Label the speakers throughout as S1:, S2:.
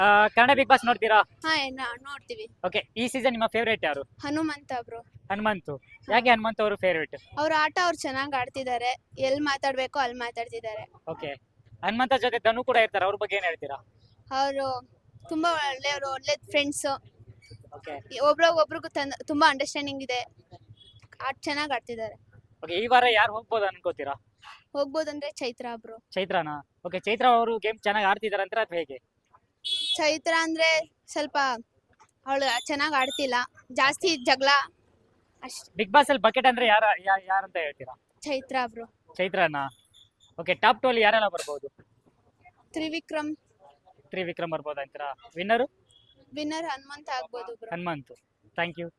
S1: Kannada big boss ನೋಡ್ತೀರಾ?
S2: ಹಾ ನೋಡ್ತೀವಿ.
S1: ಓಕೆ, ಈ ಸೀಸನ್ ನಿಮ್ಮ ಫೇವರೇಟ್ ಯಾರು?
S2: ಹನುಮಂತ ಬ್ರೋ.
S1: ಹನುಮಂತು. ಯಾಕೆ ಹನುಮಂತ್ ಅವರು ಫೇವರೇಟ್?
S2: ಅವ್ರ ಆಟ ಅವ್ರು ಚೆನ್ನಾಗಿ ಆಡ್ತಿದ್ದಾರೆ. ಎಲ್ಲಿ ಮಾತಾಡ್ಬೇಕೋ ಅಲ್ಲಿ ಮಾತಾಡ್ತಿದ್ದಾರೆ.
S1: ಓಕೆ, ಹನುಮಂತ ಜೊತೆ ಧನು ಕೂಡ ಇರ್ತಾರೆ, ಅವ್ರ ಬಗ್ಗೆ ಏನ್ ಹೇಳ್ತೀರಾ?
S2: ಅವರು ತುಂಬಾ ಒಳ್ಳೆಯವರು, ಒಳ್ಳೆ ಫ್ರೆಂಡ್ಸ್.
S1: ಓಕೆ
S2: ಒಬ್ರಿಗೂ ತುಂಬಾ ಅಂಡರ್ಸ್ಟ್ಯಾಂಡಿಂಗ್ ಇದೆ. ಚೆನ್ನಾಗಿ ಆಡ್ತಿದ್ದಾರೆ.
S1: ಓಕೆ, ಈ ವಾರ ಯಾರು ಹೋಗ್ಬೋದು ಅನ್ಕೋತೀರಾ?
S2: ಹೋಗ್ಬೋದಂದ್ರೆ ಚೈತ್ರ ಬ್ರೋ.
S1: ಚೈತ್ರಾನಾ? ಓಕೆ, ಚೈತ್ರ ಅವರು ಗೇಮ್ ಚೆನ್ನಾಗಿ ಆಡ್ತಿದಾರೆ ಅಂತ ಅಥವಾ ಹೇಗೆ?
S2: ಚೈತ್ರ ಅಂದ್ರೆ ಸ್ವಲ್ಪ ಅವಳು ಚೆನ್ನಾಗಿ ಆಡ್ತಿಲ್ಲ, ಜಾಸ್ತಿ ಜಗಳ ಅಷ್ಟೇ.
S1: ಬಿಗ್ ಬಾಸ್ ಅಲ್ಲಿ ಬಕೆಟ್ ಅಂದ್ರೆ ಯಾರಂತ ಹೇಳ್ತೀರಾ?
S2: ಚೈತ್ರ ಬ್ರೋ.
S1: ಚೈತ್ರಾನಾ? ಓಕೆ, ಟಾಪ್ 2 ಅಲ್ಲಿ ಯಾರೆಲ್ಲ ಬರ್ಬೋದು?
S2: ತ್ರಿವಿಕ್ರಮ್
S1: ಬರ್ಬೋದು ಅಂತೀರಾ? ವಿನ್ನರ್
S2: ಹನುಮಂತ ಆಗ್ಬೋದು bro.
S1: Hanumanthu. Thank you.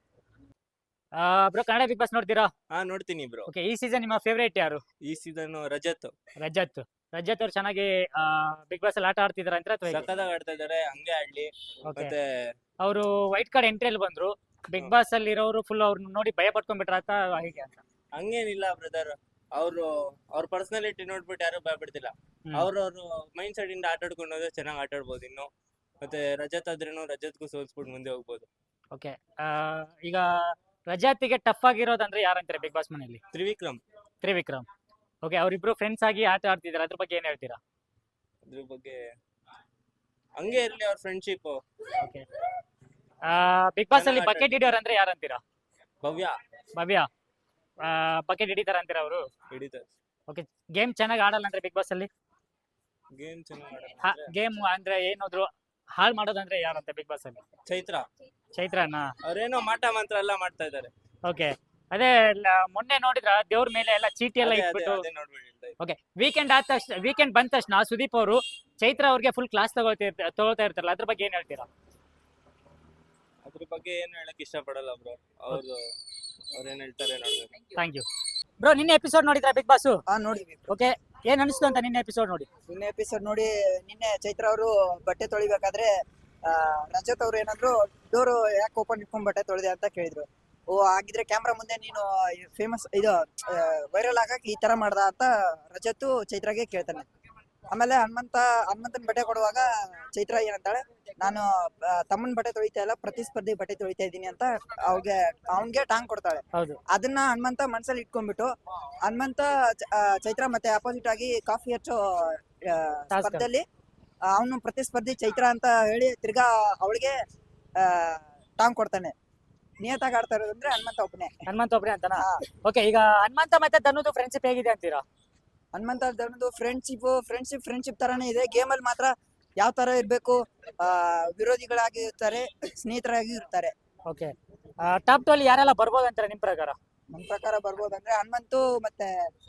S1: Bro, Kannada big boss ನೋಡ್ತೀರಾ?
S3: ನೋಡ್ತೀನಿ ಬ್ರೋ.
S1: ಓಕೆ, ಈ ಸೀಸನ್ ನಿಮ್ಮ ಫೇವರೇಟ್ ಯಾರು?
S3: ಈ ಸೀಸನ್ ರಜತ್
S1: ರಜತ್ ಅವ್ರು ಚೆನ್ನಾಗಿ ಬಿಗ್ ಬಾಸ್ ಅಲ್ಲಿ ಆಟ ಆಡ್ತಿದಾರೆ ಅಂತ ಅಥವಾ ಹೇಗೆ?
S3: ಸಖತ್ತಾಗಿ ಆಡ್ತಾ ಇದಾರೆ, ಹಂಗೆ ಆಡ್ಲಿ.
S1: ಓಕೆ,
S3: ಮತ್ತೆ
S1: ಅವರು ವೈಟ್ ಕಾರ್ಡ್ ಎಂಟ್ರಿಯಲ್ಲಿ ಬಂದ್ರು. ಬಿಗ್ ಬಾಸ್ ಅಲ್ಲಿ ಇರೋರು ಫುಲ್ ಅವ್ರನ್ನ ನೋಡಿ ಭಯ ಪಟ್ಕೊಂಡ್ಬಿಟ್ರ ಅಂತ ಹೇಗೆ ಅಂತ?
S3: ಹಂಗೇನಿಲ್ಲ ಬ್ರದರ್, ಅವ್ರ ಪರ್ಸನಾಲಿಟಿ ನೋಡ್ಬಿಟ್ಟು ಯಾರು ಭಯ ಬಿಡ್ತಿಲ್ಲ. ಅವ್ರವ್ರ ಮೈಂಡ್ ಸೆಟ್ ಇಂದ ಆಟ ಆಡ್ಕೊಂಡು ಹೋದ್ರೆ ಚೆನ್ನಾಗಿ ಆಟ ಆಡ್ಬೋದು. ಇನ್ನು ಮತ್ತೆ ರಜತ್ ಆದ್ರೇನು ರಜತ್ಗೂ ಸೋಲ್ಸ್ಬಿಟ್ಟು ಮುಂದೆ ಹೋಗ್ಬೋದು.
S1: ಓಕೆ, ಈಗ ರಜಾತಿಗೆ ಟಫ್ ಆಗಿರೋದಂದ್ರೆ ಯಾರಂತಾರೆ ಬಿಗ್ ಬಾಸ್ ಮನೆಯಲ್ಲಿ? ತ್ರಿವಿಕ್ರಮ್. ಓಕೆ, ಅವರಿಬ್ರು ಫ್ರೆಂಡ್ಸ್ ಆಗಿ ಆಟ ಆಡ್ತಿದಾರೆ, ಅದ್ರ ಬಗ್ಗೆ ಏನ್ ಹೇಳ್ತೀರಾ?
S3: ಅದ್ರ ಬಗ್ಗೆ ಹಂಗೆ ಇರ್ಲಿ ಅವ್ರ ಫ್ರೆಂಡ್ಶಿಪ್.
S1: ಓಕೆ, ಬಿಗ್ ಬಾಸ್ ಅಲ್ಲಿ ಬಕೆಟ್ ಹಿಡಿಯೋರು ಅಂದ್ರೆ ಯಾರಂತೀರಾ? ಭವ್ಯ ಬಕೆಟ್ ಹಿಡಿತಾರ ಅಂತೀರಾ ಅವರು?
S3: ಹಿಡಿತಾರೆ.
S1: ಓಕೆ, ಗೇಮ್ ಚೆನ್ನಾಗಿ ಆಡಲ್ಲ ಅಂದ್ರೆ ಬಿಗ್ ಬಾಸ್ ಅಲ್ಲಿ?
S3: ಗೇಮ್ ಚೆನ್ನಾಗಿ
S1: ಗೇಮ್ ಅಂದ್ರೆ ಏನಾದ್ರು ಹಾಳು ಮಾಡೋದಂದ್ರೆ ಯಾರಂತ ಬಿಗ್ ಬಾಸ್ ಅಲ್ಲಿ? ಚೈತ್ರನಾ?
S3: ಅವ್ರೇನೋ ಮಾಟ ಮಂತ್ರ ಎಲ್ಲ ಮಾಡ್ತಾ ಇದಾರೆ.
S1: ಓಕೆ, ಅದೇ ಮೊನ್ನೆ ನೋಡಿದ್ರ ದೇವ್ರ ಮೇಲೆ ಎಲ್ಲ ಚೀಟಿ ಎಲ್ಲ ಇಟ್ಬಿಟ್ಟು. ಓಕೆ, ವೀಕೆಂಡ್ ಬಂದ ತಕ್ಷಣ ಸುದೀಪ್ ಅವರು ಚೈತ್ರ ಅವ್ರಿಗೆ ಫುಲ್ ಕ್ಲಾಸ್ ತಗೊಳ್ತಾ ಇರ್ತಾರಲ್ಲ, ಅದ್ರ ಬಗ್ಗೆ ಏನ್ ಹೇಳ್ತೀರಾ?
S3: ಅದ್ರ ಬಗ್ಗೆ ಏನು ಹೇಳಕ್ ಇಷ್ಟ ಪಡಲ್ಲ ಬ್ರೋ. ಅವ್ರೇನ್ ಹೇಳ್ತಾರೆ ನೋಡ್ಬೇಕು.
S1: Thank you bro. ನಿನ್ನೆ ಎಪಿಸೋಡ್ ನೋಡಿದ್ರ ಬಿಗ್ ಬಾಸ್?
S4: ನೋಡಿದ್ವಿ.
S1: ಓಕೆ, ಏನ್ ಅನಿಸ್ತು ಅಂತ ನಿನ್ನೆ ಎಪಿಸೋಡ್ ನೋಡಿ?
S4: ನಿನ್ನೆ ಚೈತ್ರ ಅವರು ಬಟ್ಟೆ ತೊಳಿಬೇಕಾದ್ರೆ ರಜತ್ ಅವ್ರು ಏನಾದ್ರು ಡೋರ್ ಯಾಕೆ ಓಪನ್ ಇಟ್ಕೊಂಡ್ ಬಟ್ಟೆ ತೊಳೆದೆ ಅಂತ ಕೇಳಿದ್ರು. ಆಗಿದ್ರೆ ಕ್ಯಾಮ್ರಾ ಮುಂದೆ ನೀನು ಫೇಮಸ್ ಇದು ವೈರಲ್ ಆಗಕ್ಕೆ ಈ ತರ ಮಾಡ್ದ ಅಂತ ರಜತ್ ಚೈತ್ರಾಗೆ ಕೇಳ್ತಾನೆ. ಆಮೇಲೆ ಹನುಮಂತನ್ ಬಟ್ಟೆ ಕೊಡುವಾಗ ಚೈತ್ರ ಏನಂತಾಳೆ, ನಾನು ತಮ್ಮನ್ ಬಟ್ಟೆ ತೊಳಿತಾ ಇಲ್ಲ, ಪ್ರತಿಸ್ಪರ್ಧಿ ಬಟ್ಟೆ ತೊಳಿತಾ ಇದ್ದೀನಿ ಅಂತ ಅವ್ನ್ಗೆ ಟಾಂಗ್ ಕೊಡ್ತಾಳೆ. ಅದನ್ನ ಹನುಮಂತ ಮನ್ಸಲ್ಲಿ ಇಟ್ಕೊಂಡ್ಬಿಟ್ಟು ಚೈತ್ರ ಮತ್ತೆ ಅಪೋಸಿಟ್ ಆಗಿ ಕಾಫಿ ಹಚ್ಚೋ ಸ್ಪರ್ಧೆಯಲ್ಲಿ ಅವನು ಪ್ರತಿಸ್ಪರ್ಧಿ ಚೈತ್ರ ಅಂತ ಹೇಳಿ ತಿರ್ಗಾ ಅವಳಿಗೆ ಟಾಂಗ್ ಕೊಡ್ತಾನೆ. ನಿಯತಾಗಿ ಆಡ್ತಾ ಇರೋದಂದ್ರೆ ಹನುಮಂತ ಒಬ್ಬನೇ
S1: ಅಂತನಾ? ಓಕೆ, ಈಗ ಹನುಮಂತ ಮತ್ತೆ ಧನುದು ಫ್ರೆಂಡ್ಶಿಪ್ ಹೇಗಿದೆ ಅಂತೀರಾ?
S4: ಹನುಮಂತ ಧನುದು ಫ್ರೆಂಡ್ಶಿಪ್ ತರಾನೇ ಇದೆ. ಗೇಮ್ ಅಲ್ಲಿ ಮಾತ್ರ ಯಾವ ತರ ಇರ್ಬೇಕು, ವಿರೋಧಿಗಳಾಗಿ ಇರ್ತಾರೆ, ಸ್ನೇಹಿತರಾಗಿ ಇರ್ತಾರೆ.
S1: ಓಕೆ, ಟಾಪ್ 2 ಅಲ್ಲಿ ಯಾರೆಲ್ಲ ಬರ್ಬೋದು ಅಂತಾರೆ ನಿಮ್ ಪ್ರಕಾರ?
S4: ನಮ್ ಪ್ರಕಾರ ಬರ್ಬೋದಂದ್ರೆ ಹನುಮಂತು ಮತ್ತೆ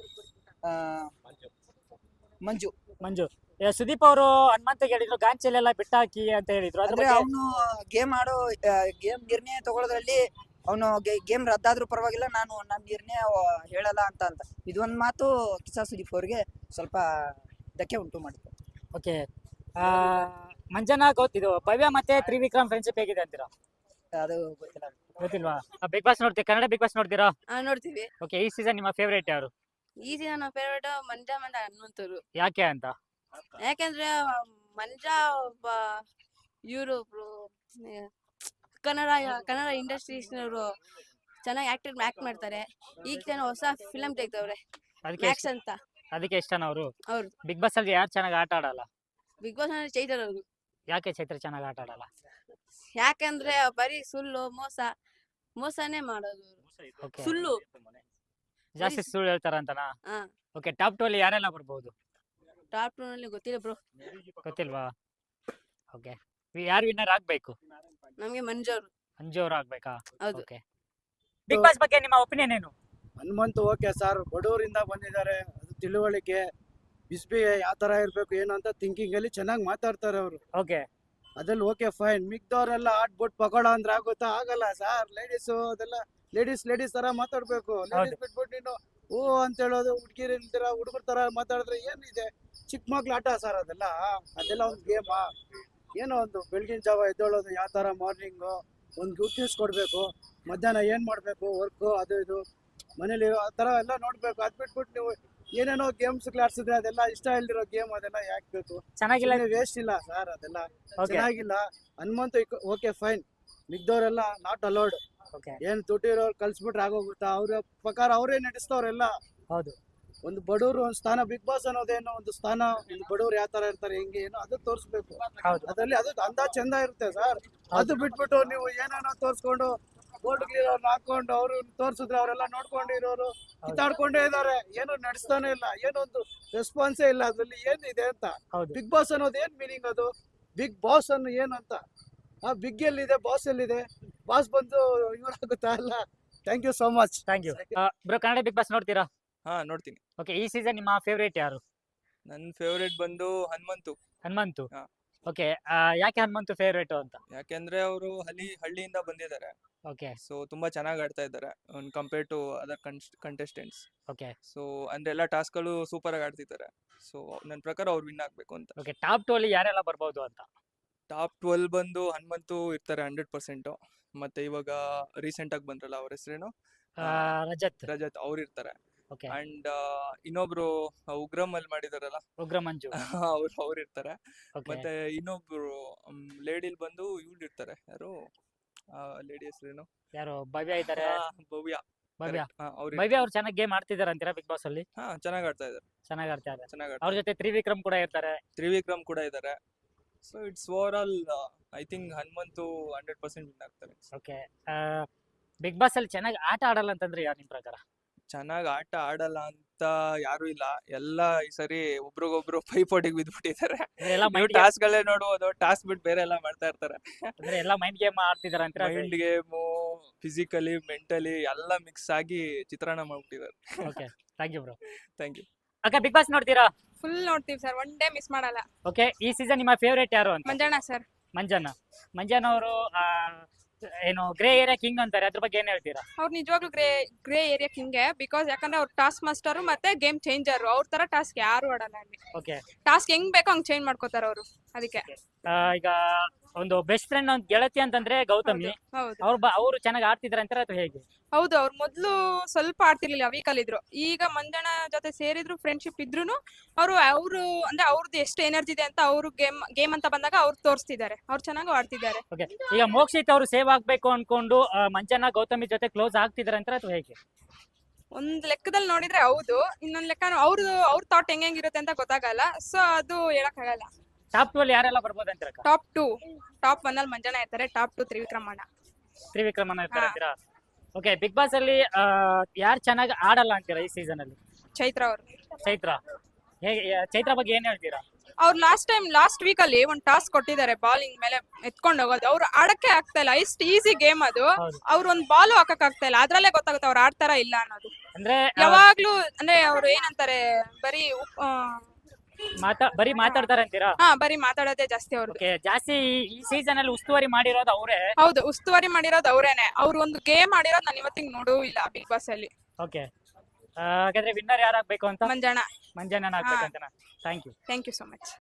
S4: ಮಂಜು.
S1: ಸುದೀಪ್ ಅವರು ಹನುಮಂತ ಹೇಳಿದ್ರು ಗಾಂಚಲೆಲ್ಲ ಬಿಟ್ಟಾಕಿ ಅಂತ ಹೇಳಿದ್ರು.
S4: ಅಂದ್ರೆ ಅವನು ಗೇಮ್ ನಿರ್ಣಯ ತಗೊಳ್ಳೋದ್ರಲ್ಲಿ ಅವನು ಗೇಮ್ ರದ್ದಾದ್ರೂ ಪರವಾಗಿಲ್ಲ, ನಾನು ನನ್ನ ನಿರ್ಣಯ ಹೇಳಲ್ಲ ಅಂತ ಇದೊಂದ್ ಮಾತು ಕಿಚ್ಚ ಸುದೀಪ್ ಅವ್ರಿಗೆ ಸ್ವಲ್ಪ ಧಕ್ಕೆ ಉಂಟು ಮಾಡಿತ್ತು.
S1: ಓಕೆ, ಮಂಜನಾ ಗೊತ್ತಿದ್ದು ಭವ್ಯ ಮತ್ತೆ ತ್ರಿವಿಕ್ರಮ್ ಫ್ರೆಂಡ್ಶಿಪ್ ಹೇಗಿದೆ ಅಂತೀರಾ?
S4: ಅದು
S1: ಗೊತ್ತಿಲ್ವಾ? ಬಿಗ್ ಬಾಸ್ ನೋಡ್ತೀವಿ, ಕನ್ನಡ ಬಿಗ್ ಬಾಸ್ ನೋಡ್ತೀರಾ?
S2: ನೋಡ್ತೀವಿ.
S1: ಓಕೆ, ಈ ಸೀಸನ್ ನಿಮ್ಮ ಫೇವರೇಟ್ ಯಾರು?
S2: ಈ ಸೀಸನ್ ನಮ್ಮ ಫೇವರೇಟ್ ಮಂಜಾ ಮತ್ತೆ ಹನುಮಂತರು.
S1: ಯಾಕೆ ಅಂತ?
S2: ಯಾಕಂದ್ರೆ ಮಂಜಾ ಒಬ್ಬ ಇವರು ಕನ್ನಡ ಇಂಡಸ್ಟ್ರೀಸ್ನವರು ಚೆನ್ನಾಗಿ ಆಕ್ಟ್ ಮಾಡ್ತಾರೆ. ಈಗ ಜನ ಹೊಸ ಫಿಲಂ ತೆಗ್ದವ್ರೆ ಅಂತ,
S1: ಅದಕ್ಕೆ ಇಷ್ಟನಾ ಅವರು?
S2: ಅವ್ರು
S1: ಬಿಗ್ ಬಾಸ್ ಅಲ್ಲಿ ಯಾರು ಚೆನ್ನಾಗಿ ಆಟ ಆಡಲ್ಲ?
S2: ಬಿಗ್ ಬಾಸ್ ಅಂದ್ರೆ ಚೈತ್ರ ಅವರು.
S1: ಯಾಕೆ ಚೈತ್ರ ಚೆನ್ನಾಗಿ ಆಟ ಆಡಲ್ಲ?
S2: ಯಾಕಂದ್ರೆ ಬರೀ ಸುಳ್ಳು ಮೋಸನೇ ಮಾಡೋದು. ಸುಳ್ಳು
S1: ಜಾಸ್ತಿ ಸುಳ್ಳು ಹೇಳ್ತಾರ ಅಂತನಾ? ಓಕೆ, ಟಾಪ್ 2 ಅಲ್ಲಿ ಯಾರೆಲ್ಲ ಬರ್ಬೋದು?
S2: ಟಾಪ್ 2 ನಲ್ಲಿ ಗೊತ್ತಿಲ್ಲ ಬ್ರೋ.
S1: ಗೊತ್ತಿಲ್ವಾ? ಓಕೆ, ಯಾರು ವಿನ್ನರ್ ಆಗ್ಬೇಕು?
S2: ನಮ್ಗೆ ಮಂಜು
S1: ಅವ್ರು ಆಗ್ಬೇಕಾ?
S2: ಹೌದು.
S1: ಓಕೆ, ಬಿಗ್ ಬಾಸ್ ಬಗ್ಗೆ ನಿಮ್ಮ ಒಪಿನಿಯನ್ ಏನು?
S5: ಹನುಮಂತು ಓಕೆ ಸರ್, ಬಡವರಿಂದ ಬಂದಿದ್ದಾರೆ, ಅದು ತಿಳುವಳಿಕೆ ಬಿಸ್ಬಿ ಯಾವ ತರ ಇರ್ಬೇಕು ಏನು ಅಂತ ಥಿಂಕಿಂಗ್ ಅಲ್ಲಿ ಚೆನ್ನಾಗಿ ಮಾತಾಡ್ತಾರೆ ಅವರು.
S1: ಓಕೆ,
S5: ಅದ್ರಲ್ಲಿ ಓಕೆ ಫೈನ್. ಮಿಕ್ದವ್ರೆಲ್ಲ ಆಡ್ಬಿಟ್ಟು ಪಕೋಡ ಅಂದ್ರೆ ಆಗುತ್ತಾ? ಆಗಲ್ಲ ಸರ್. ಅದೆಲ್ಲ ಲೇಡೀಸ್ ತರ ಮಾತಾಡ್ಬೇಕು. ಲೇಡೀಸ್ ಬಿಟ್ಬಿಟ್ಟು ನೀನು ಓ ಅಂತ ಹೇಳೋದು, ಹುಡುಗರ ತರ ಮಾತಾಡಿದ್ರೆ ಏನಿದೆ? ಚಿಕ್ಕ ಮಕ್ಳು ಆಟ ಸರ್ ಅದೆಲ್ಲ ಒಂದು ಗೇಮಾ? ಏನೋ ಒಂದು ಬೆಳಗಿನ ಜಾವ ಎದ್ದೇಳೋದು ಯಾವ ತರ, ಮಾರ್ನಿಂಗು ಒಂದು ಗುಡ್ನೆಸ್ ಕೊಡ್ಬೇಕು, ಮಧ್ಯಾಹ್ನ ಏನ್ ಮಾಡ್ಬೇಕು ವರ್ಕ್ ಅದು ಇದು ಮನೇಲಿ ಆ ತರ ಎಲ್ಲ ನೋಡ್ಬೇಕು. ಅದ್ ಬಿಟ್ಬಿಟ್ಟು ನೀವು ಏನೇನೋ ಗೇಮ್ಸ್ ಆಡ್ಸಿದ್ರೆ ಅದೆಲ್ಲ ಇಷ್ಟ ಇಲ್ದಿರೋ ಗೇಮ್ ಅದೆಲ್ಲ ಯಾಕೆ ಬೇಕು?
S1: ಚೆನ್ನಾಗಿಲ್ಲ.
S5: ವೇಸ್ಟ್ ಇಲ್ಲ ಸರ್ ಅದೆಲ್ಲ,
S1: ಓಕೆ
S5: ಚೆನ್ನಾಗಿಲ್ಲ. ಹನುಮಂತು ಓಕೆ ಫೈನ್, ಮಿಗ್ದವ್ರೆಲ್ಲ ನಾಟ್ ಅಲೌಡ್.
S1: ಓಕೆ
S5: ಏನ್ ದುಡ್ಡಿರೋರು ಕಳ್ಸ್ಬಿಟ್ರೆ ಆಗೋಗುತ್ತಾ? ಅವ್ರ ಪ್ರಕಾರ ಅವರೇ ನಡೆಸ್ತವ್ರೆಲ್ಲ.
S1: ಹೌದು.
S5: ಒಂದು ಬಡವರು ಒಂದು ಸ್ಥಾನ, ಬಿಗ್ ಬಾಸ್ ಅನ್ನೋದೇನೋ ಒಂದು ಸ್ಥಾನ, ಒಂದು ಬಡವ್ರು ಯಾವ ತರ ಇರ್ತಾರೆ ಹೆಂಗೆ ಏನೋ ಅದು ತೋರಿಸ್ಬೇಕು.
S1: ಹೌದು.
S5: ಅದ್ರಲ್ಲಿ ಅದು ಅಂದಾಜ್ ಚಂದ ಇರುತ್ತೆ ಸರ್. ಅದು ಬಿಟ್ಬಿಟ್ಟು ನೀವು ಏನೇನೋ ತೋರ್ಸ್ಕೊಂಡು ಬೋರ್ಡ್ ಗಿರೋರ್ನ ಹಾಕೊಂಡು ಅವ್ರು ತೋರ್ಸಿದ್ರೆ ಅವರೆಲ್ಲ ನೋಡ್ಕೊಂಡಿರೋರು ಕಿತ್ತಾಡ್ಕೊಂಡೇ ಇದಾರೆ. ಏನು ನಡೆಸ್ತಾನೆ ಇಲ್ಲ, ಏನೊಂದು ರೆಸ್ಪಾನ್ಸೇ ಇಲ್ಲ. ಅದ್ರಲ್ಲಿ ಏನಿದೆ ಅಂತ?
S1: ಹೌದು.
S5: ಬಿಗ್ ಬಾಸ್ ಅನ್ನೋದು ಏನ್ ಮೀನಿಂಗ್? ಅದು ಬಿಗ್ ಬಾಸ್ ಅನ್ನು ಏನಂತ? ಆ ಬಿಗ್ ಎಲ್ಲಿದೆ, ಬಾಸ್ ಎಲ್ಲಿದೆ? ಬಾಸ್ ಬಂದು ಇವ್ರಾಗುತ್ತಾ? ಅಲ್ಲ. Thank you so much.
S1: Thank you bro. Kannada big boss ನೋಡ್ತೀರಾ?
S6: ಹಾ ನೋಡ್ತೀನಿ.
S1: ಓಕೆ, ಈ ಸೀಸನ್ ನಿಮ್ಮ ಫೇವ್ರೇಟ್ ಯಾರು?
S6: ನನ್ನ ಫೇವ್ರೇಟ್ ಬಂದು ಹನುಮಂತು.
S1: ಹನುಮಂತು.
S6: ಹಾ.
S1: ಓಕೆ, ಯಾಕೆ ಹನುಮಂತು ಫೇವ್ರೇಟ್ ಅಂತ?
S6: ಯಾಕೆಂದ್ರೆ ಅವರು ಹಳ್ಳಿಯಿಂದ ಬಂದಿದ್ದಾರೆ.
S1: ಓಕೆ
S6: ಸೊ ತುಂಬಾ ಚೆನ್ನಾಗಿ ಆಡ್ತಾ ಇದ್ದಾರೆ compare to other contestants.
S1: Okay
S6: so ಅಂದ್ರೆ ಎಲ್ಲ ಟಾಸ್ಕ್ಗಳು ಸೂಪರ್ ಆಗಿ ಆಡ್ತಿದ್ದಾರೆ. ಸೊ ನನ್ನ ಪ್ರಕಾರ ಅವ್ರು ವಿನ್ ಆಗ್ಬೇಕು ಅಂತ.
S1: ಓಕೆ, ಟಾಪ್ 2 ಅಲ್ಲಿ ಯಾರೆಲ್ಲ ಬರ್ಬೋದು ಅಂತ?
S6: ಟಾಪ್ 12 ಬಂದು ಹನುಮಂತು ಇರ್ತಾರೆ 100%. ಮತ್ತೆ ಇವಾಗ ರೀಸೆಂಟ್ ಆಗಿ ಬಂದ್ರಲ್ಲ, ಅವ್ರ ಹೆಸರೇನು?
S1: ರಜತ್.
S6: ರಜತ್, ಅವ್ರು ಇರ್ತಾರೆ.
S1: ಓಕೆ,
S6: ಅಂಡ್ ಇನ್ನೊಬ್ರು ಉಗ್ರಂ ಅಲ್ಲಿ ಮಾಡಿದಾರಲ್ಲ,
S1: ಉಗ್ರ ಮಂಜು.
S6: ಅವ್ರು ಇರ್ತಾರೆ.
S1: ಓಕೆ,
S6: ಮತ್ತೆ ಇನ್ನೊಬ್ರು ಲೇಡಿಲ್ ಬಂದು ಇವ್ರು ಇರ್ತಾರೆ. ಯಾರು ಲೇಡಿ ಹೆಸರೇನು?
S1: ಯಾರು? ಭವ್ಯ ಇದ್ದಾರೆ.
S6: ಭವ್ಯ.
S1: ಭವ್ಯ.
S6: ಅವ್ರು
S1: ಭವ್ಯ ಅವ್ರು ಚೆನ್ನಾಗಿ ಗೇಮ್ ಆಡ್ತಿದಾರೆ ಅಂತೀರಾ ಬಿಗ್ ಬಾಸ್ ಅಲ್ಲಿ?
S6: ಚೆನ್ನಾಗಿ ಆಡ್ತಾ ಇದ್ದಾರೆ.
S1: ಚೆನ್ನಾಗಿ ಆಡ್ತಾರೆ.
S6: ಚೆನ್ನಾಗಿ
S1: ಅವ್ರ ಜೊತೆ ತ್ರಿವಿಕ್ರಮ್ ಕೂಡ ಇರ್ತಾರೆ.
S6: ತ್ರಿವಿಕ್ರಮ್ ಕೂಡ ಇದ್ದಾರೆ. So it's over all I think Hanumanthu 100% win ಆಗ್ತಾರೆ.
S1: ಓಕೆ, ಬಿಗ್ ಬಾಸ್ ಅಲ್ಲಿ ಚೆನ್ನಾಗಿ ಆಟ ಆಡಲ್ಲ ಅಂತಂದ್ರೆ ಯಾರು ನಿಮ್ ಪ್ರಕಾರ?
S6: ಚೆನ್ನಾಗಿ ಆಟ ಆಡಲ್ಲ ಅಂತ ಯಾರು ಇಲ್ಲ. ಎಲ್ಲ ಈ ಸರಿ ಒಬ್ರಿಗೊಬ್ರು ಪೈಪೋಟಿಗೆ ಬಿದ್ಬಿಟ್ಟಿದ್ದಾರೆ.
S1: ಎಲ್ಲ
S6: ಟಾಸ್ಕ್ ಗಳೇ ನೋಡ್ಬೋದು, ಟಾಸ್ಕ್ ಬಿಟ್ಟು ಬೇರೆ ಎಲ್ಲ ಮಾಡ್ತಾ ಇರ್ತಾರೆ.
S1: ಅಂದ್ರೆ ಎಲ್ಲ ಮೈಂಡ್ ಗೇಮ್ ಆಡ್ತಿದಾರೆ ಅಂತೀರಾ?
S6: ಮೈಂಡ್ ಗೇಮು, ಫಿಸಿಕಲಿ, ಮೆಂಟಲಿ ಎಲ್ಲ ಮಿಕ್ಸ್ ಆಗಿ ಚಿತ್ರಾನ್ನ ಮಾಡ್ಬಿಟ್ಟಿದ್ದಾರೆ.
S1: Okay, thank you bro.
S6: Thank you.
S1: ಅಕ್ಕ, ಬಿಗ್ ಬಾಸ್ ನೋಡ್ತೀರಾ?
S7: ಫುಲ್ ನೋಡ್ತೀವಿ ಸರ್, ಒನ್ ಡೇ ಮಿಸ್ ಮಾಡಲ್ಲ.
S1: ಓಕೆ, ಈ ಸೀಸನ್ ನಿಮ್ಮ ಫೇವ್ರೇಟ್ ಯಾರು ಅಂತ?
S7: ಮಂಜಣ್ಣ ಸರ್.
S1: ಮಂಜಣ್ಣ ಅವರು ಏನು ಗ್ರೇ ಏರಿಯಾ ಕಿಂಗ್ ಅಂತಾರೆ, ಅದ್ರ ಬಗ್ಗೆ ಏನ್ ಹೇಳ್ತೀರಾ?
S7: ಅವ್ರು ನಿಜವಾಗ್ಲೂ ಗ್ರೇ ಏರಿಯಾ ಕಿಂಗೆ. ಬಿಕಾಸ್ ಯಾಕಂದ್ರೆ ಅವ್ರು ಟಾಸ್ಕ್ ಮಾಸ್ಟರ್ ಮತ್ತೆ ಗೇಮ್ ಚೇಂಜರ್. ಅವ್ರ ತರ ಟಾಸ್ಕ್ ಯಾರು ಆಡಲ್ಲ ಅಲ್ಲಿ.
S1: ಓಕೆ,
S7: ಟಾಸ್ಕ್ ಹೆಂಗ್ ಬೇಕೋ ಹಂಗ್ ಚೇಂಜ್ ಮಾಡ್ಕೋತಾರ ಅವರು. ಅದಕ್ಕೆ
S1: ಈಗ ಒಂದು ಬೆಸ್ಟ್ ಫ್ರೆಂಡ್ ಒಂದು ಗೆಳತಿ ಅಂತಂದ್ರೆ ಗೌತಮಿ.
S7: ಹೌದು
S1: ಅವರು ಚೆನ್ನಾಗಿ ಆಡ್ತಿದಾರೆ ಅಂತಾರೆ, ಅದು ಹೇಗೆ?
S7: ಹೌದು. ಅವ್ರು ಮೊದ್ಲು ಸ್ವಲ್ಪ ಆಡ್ತಿರ್ಲಿಲ್ಲ, ವೀಕಲ್ ಇದ್ರು. ಈಗ ಮಂಜಣ್ಣ ಜೊತೆ ಸೇರಿದ್ರು, ಫ್ರೆಂಡ್ಶಿಪ್ ಇದ್ರುನು ಅವರು ಅಂದ್ರೆ ಅವ್ರದ್ದು ಎಷ್ಟು ಎನರ್ಜಿ ಇದೆ ಅಂತ ಅವ್ರು ಗೇಮ್ ಅಂತ ಬಂದಾಗ ಅವ್ರು ತೋರಿಸ್ತಿದ್ದಾರೆ. ಅವ್ರು ಚೆನ್ನಾಗಿ ಆಡ್ತಿದ್ದಾರೆ.
S1: ಓಕೆ, ಈಗ ಮೋಕ್ಷಿತ್ ಅವರು ಸೇವ್ ಆಗ್ಬೇಕು ಅನ್ಕೊಂಡು ಮಂಜಣ್ಣ ಗೌತಮಿ ಜೊತೆ ಕ್ಲೋಸ್ ಆಗ್ತಿದಾರೆ ಅಂತಾರೆ, ಅದು ಹೇಗೆ?
S7: ಒಂದ್ ಲೆಕ್ಕದಲ್ಲಿ ನೋಡಿದ್ರೆ ಹೌದು, ಇನ್ನೊಂದ್ ಲೆಕ್ಕ ಅವ್ರ ಥಾಟ್ ಹೆಂಗಿರುತ್ತೆ ಅಂತ ಗೊತ್ತಾಗಲ್ಲ. ಸೊ ಅದು ಹೇಳಕ್ ಆಗಲ್ಲ.
S1: ಟಾಪ್ 2 ಅಲ್ಲಿ ಯಾರೆಲ್ಲ ಬರ್ಬೋದು ಅಂತೀರಾ?
S7: ಟಾಪ್ 2, ಟಾಪ್ 1 ಅಲ್ಲಿ ಮಂಜಣ್ಣ ಇರ್ತಾರೆ. ಟಾಪ್ 2 ತ್ರಿವಿಕ್ರಮಣ್ಣ
S1: ಇರ್ತಾರೆ ಅಂತೀರಾ? ಓಕೆ, ಬಿಗ್ ಬಾಸ್ ಅಲ್ಲಿ ಯಾರು ಚೆನ್ನಾಗಿ ಆಡಲ್ಲ ಅಂತೀರಾ ಈ ಸೀಸನ್ ಅಲ್ಲಿ?
S7: ಚೈತ್ರ ಅವರು.
S1: ಚೈತ್ರ. ಹೇಗೆ? ಚೈತ್ರ ಬಗ್ಗೆ ಏನ್ ಹೇಳ್ತೀರಾ?
S7: ಅವ್ರು ಲಾಸ್ಟ್ ವೀಕ್ ಅಲ್ಲಿ ಒಂದ್ ಟಾಸ್ಕ್ ಕೊಟ್ಟಿದ್ದಾರೆ, ಬಾಲಿಂಗ್ ಮೇಲೆ ಎತ್ಕೊಂಡು ಹೋಗೋದು. ಅವ್ರು ಆಡಕ್ಕೆ ಆಗ್ತಾ ಇಲ್ಲ. ಇಷ್ಟು ಈಸಿ ಗೇಮ್ ಅದು.
S1: ಹೌದು.
S7: ಅವ್ರು ಒಂದ್ ಬಾಲು ಹಾಕಕ್ ಆಗ್ತಾ ಇಲ್ಲ. ಅದ್ರಲ್ಲೇ ಗೊತ್ತಾಗುತ್ತೆ ಅವ್ರು ಆಡ್ತಾರ ಇಲ್ಲ ಅನ್ನೋದು.
S1: ಅಂದ್ರೆ
S7: ಯಾವಾಗ್ಲೂ ಅಂದ್ರೆ ಅವ್ರು ಏನಂತಾರೆ, ಬರೀ
S1: ಬರೀ ಮಾತಾಡ್ತಾರೆ ಅಂತೀರಾ?
S7: ಬರೀ ಮಾತಾಡೋದೇ ಜಾಸ್ತಿ ಅವ್ರು.
S1: ಓಕೆ, ಜಾಸ್ತಿ ಈ ಸೀಸನ್ ಅಲ್ಲಿ ಉಸ್ತುವಾರಿ ಮಾಡಿರೋದು ಅವರೇ?
S7: ಹೌದು, ಉಸ್ತುವಾರಿ ಮಾಡಿರೋದು ಅವ್ರೇನೆ. ಅವ್ರು ಒಂದು ಗೇಮ್ ಆಡಿರೋದು ನಾನು ಇವತ್ತಿಗೆ ನೋಡೂ ಇಲ್ಲ ಬಿಗ್ ಬಾಸ್ ಅಲ್ಲಿ.
S1: ಓಕೆ, ಹಾಗಾದ್ರೆ ವಿನ್ನರ್ ಯಾರಾಗ್ಬೇಕು ಅಂತ?
S7: ಮಂಜಣ್ಣ.
S1: ಮಂಜಣ್ಣ ಆಗ್ಬೇಕಂತ. Thank you.
S7: Thank you so much.